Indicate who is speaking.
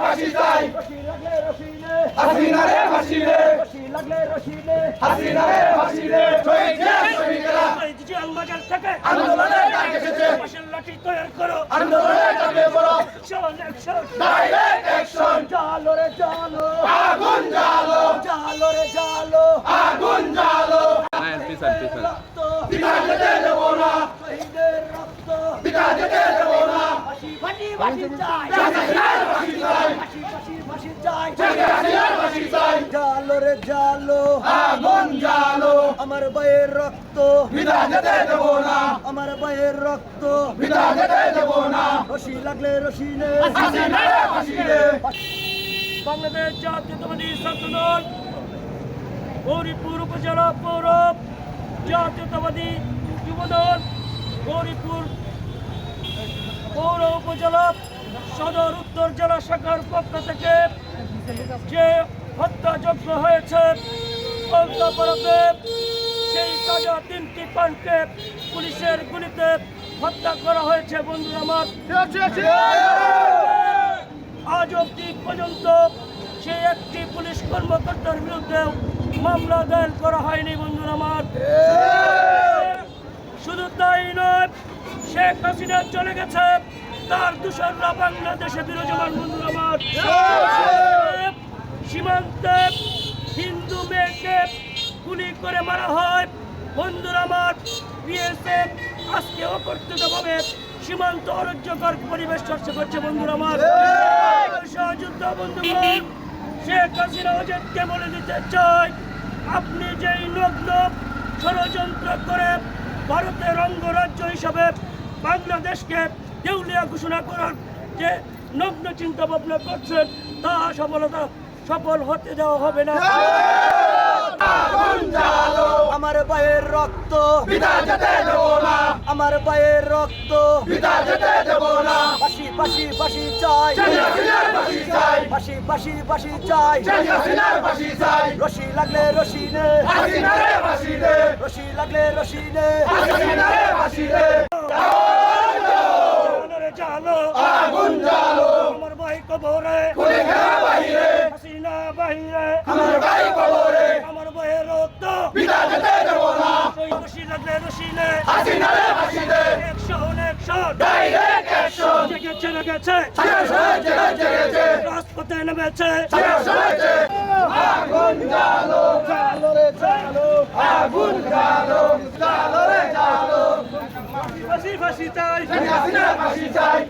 Speaker 1: ফাঁসি চাই হাসিনা রে ফাঁসি রে হাসিনা রে ফাঁসি রে শহীদরা
Speaker 2: জিয়ালবাজার থেকে
Speaker 1: আন্দোলনে ডাক এসেছে
Speaker 2: ফাঁসির লাঠি তৈরি করো
Speaker 1: আন্দোলনে ডাকে বড়
Speaker 2: অ্যাকশন
Speaker 1: ডাইরেক্ট অ্যাকশন
Speaker 2: জালো রে জালো
Speaker 1: আগুন জ্বালো
Speaker 2: জালো রে জালো
Speaker 1: আগুন জ্বালো
Speaker 3: পিছন
Speaker 2: রক্ত
Speaker 1: পিতা যেতে দেব না
Speaker 2: শহীদের রক্ত
Speaker 1: পিতা যেতে দেব না
Speaker 2: ফাঁসি ফাঁসি ফাঁসি চাই
Speaker 1: হাসিনার ফাঁসি চাই
Speaker 2: ফাঁসি ফাঁসি ফাঁসি চাই
Speaker 1: হাসিনার ফাঁসি চাই
Speaker 2: জালো রে জালো
Speaker 1: আগুন জ্বালো
Speaker 2: আমার ভাইয়ের রক্ত
Speaker 1: পিতা যেতে দেব না
Speaker 2: আমার ভাইয়ের রক্ত
Speaker 1: পিতা যেতে দেব না
Speaker 2: রশি লাগলে রশি নে
Speaker 1: হাসিনা রে ফাঁসি রে
Speaker 2: বাংলাদেশ জাতীয়তাবাদী ছাত্রদল গৌরীপুর উপজেলা পৌর জাতীয়তাবাদী যুবদল গৌরীপুর পৌর উপজেলা সদর উত্তর জেলা শাখার পক্ষ থেকে যে হত্যাযজ্ঞ হয়েছে কলকাতাপাড়াতে সেই তাজা 3টি প্রাণকে পুলিশের গুলিতে হত্যা করা হয়েছে বন্ধুরা আমার। আজ অবধি পর্যন্ত সেই একটি পুলিশ কর্মকর্তার বিরুদ্ধে মামলা দায়ের করা হয়নি বন্ধুরা আমার। শুধু তাই নয়, শেখ হাসিনা চলে গেছে, তার দূষণরা বাংলাদেশে বিরাজমান বন্ধুরা আমার। সীমান্তে হিন্দু মেয়েকে গুলি করে মারা হয় বন্ধুরা আমার। বিএসএফ আজকে অকর্তৃত্বভাবে সীমান্ত অরাজ্যকর পরিবেশ চর্চা করছে বন্ধুরা আমার। সহযুদ্ধ বন্ধুগণ, শেখ হাসিনা অজিতকে বলে দিতে চাই, আপনি যেই নগ্ন ষড়যন্ত্র করে ভারতের অঙ্গরাজ্য হিসাবে বাংলাদেশকে দেউলিয়া ঘোষণা করার যে নগ্ন চিন্তা ভাবনা করছেন, তা সফল হতে দেওয়া হবে না।
Speaker 1: আগুন জ্বালো
Speaker 2: আমার ভাইয়ের রক্ত
Speaker 1: পিতা যেতে দেব না
Speaker 2: আমার ভাইয়ের রক্ত
Speaker 1: পিতা যেতে দেব না
Speaker 2: ফাঁসি ফাঁসি ফাঁসি চাই
Speaker 1: হাসিনার ফাঁসি চাই
Speaker 2: ফাঁসি ফাঁসি ফাঁসি চাই
Speaker 1: হাসিনার ফাঁসি চাই
Speaker 2: রশি লাগলে রশি নে
Speaker 1: হাসিনা রে ফাঁসি রে
Speaker 2: রশি লাগলে রশি নে
Speaker 1: হাসিনা রে ফাঁসি রে
Speaker 2: জালো রে জালো
Speaker 1: আগুন জ্বালো
Speaker 2: আমার ভাই কবরে
Speaker 1: খুলে খেলা বাহিরে
Speaker 2: হাসিনা বাহিরে
Speaker 1: আমার ভাই কবরে
Speaker 2: আমার ভাইয়ের রক্ত
Speaker 1: পিতা যেতে দেব না
Speaker 2: রশি লাগলে রশি নে
Speaker 1: হাসিনা রে ফাঁসি রে
Speaker 2: অ্যাকশন অ্যাকশন
Speaker 1: ডাইরেক্ট অ্যাকশন
Speaker 2: জেগেছে লেগেছে
Speaker 1: জেগেছে
Speaker 2: রাজপথে নেমেছে
Speaker 1: জেগেছে আগুন জ্বালো
Speaker 2: জালো রে জালো
Speaker 1: আগুন জ্বালো জ্বালো রে জ্বালো
Speaker 2: ফাঁসি ফাঁসি চাই
Speaker 1: হাসিনার ফাঁসি চাই